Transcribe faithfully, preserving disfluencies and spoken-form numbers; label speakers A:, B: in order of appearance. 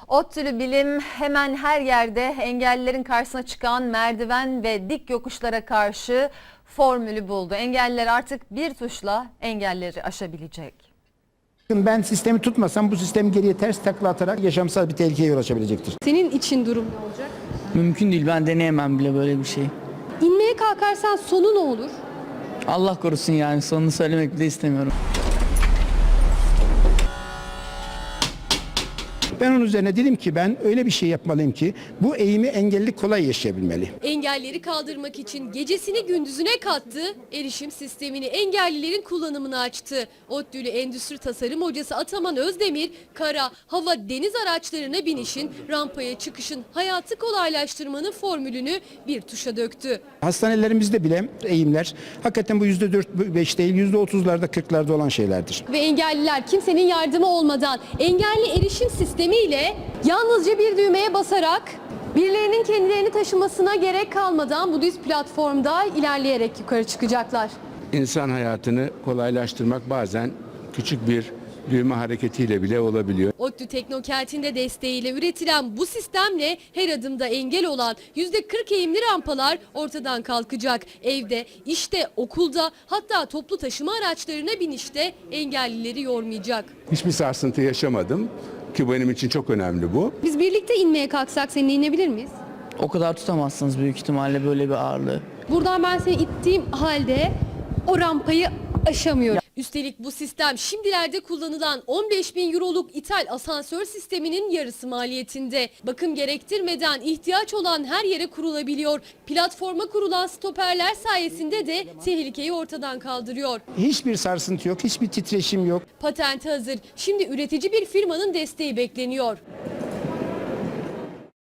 A: ODTÜ'lü bilim hemen her yerde engellilerin karşısına çıkan merdiven ve dik yokuşlara karşı formülü buldu. Engelliler artık bir tuşla engelleri aşabilecek.
B: Ben sistemi tutmasam bu sistem geriye ters takla atarak yaşamsal bir tehlikeye yol açabilecektir.
C: Senin için durum ne olacak?
D: Mümkün değil, ben deneyemem bile böyle bir şey.
C: İnmeye kalkarsan sonu ne olur?
D: Allah korusun, yani sonunu söylemek bile istemiyorum.
B: Ben onun üzerine dedim ki ben öyle bir şey yapmalıyım ki bu eğimi engelli kolay yaşayabilmeli.
C: Engelleri kaldırmak için gecesini gündüzüne kattı, erişim sistemini engellilerin kullanımına açtı. ODTÜ'lü endüstri tasarım hocası Ataman Özdemir, kara, hava, deniz araçlarına binişin, rampaya çıkışın, hayatı kolaylaştırmanın formülünü bir tuşa döktü.
B: Hastanelerimizde bile eğimler hakikaten bu yüzde dört beş değil yüzde otuzlarda kırklarda olan şeylerdir.
C: Ve engelliler kimsenin yardımı olmadan engelli erişim sistemi ile yalnızca bir düğmeye basarak birilerinin kendilerini taşımasına gerek kalmadan bu düz platformda ilerleyerek yukarı çıkacaklar.
E: İnsan hayatını kolaylaştırmak bazen küçük bir düğme hareketiyle bile olabiliyor.
C: ODTÜ Teknokent'in de desteğiyle üretilen bu sistemle her adımda engel olan yüzde kırk eğimli rampalar ortadan kalkacak. Evde, işte, okulda, hatta toplu taşıma araçlarına binişte engellileri yormayacak.
E: Hiçbir sarsıntı yaşamadım ki benim için çok önemli bu.
C: Biz birlikte inmeye kalksak seninle inebilir miyiz?
D: O kadar tutamazsınız büyük ihtimalle böyle bir ağırlığı.
C: Buradan ben seni ittiğim halde o rampayı aşamıyorum. Üstelik bu sistem şimdilerde kullanılan on beş bin euroluk ithal asansör sisteminin yarısı maliyetinde. Bakım gerektirmeden ihtiyaç olan her yere kurulabiliyor. Platforma kurulan stoperler sayesinde de tehlikeyi ortadan kaldırıyor.
B: Hiçbir sarsıntı yok, hiçbir titreşim yok.
C: Patenti hazır. Şimdi üretici bir firmanın desteği bekleniyor.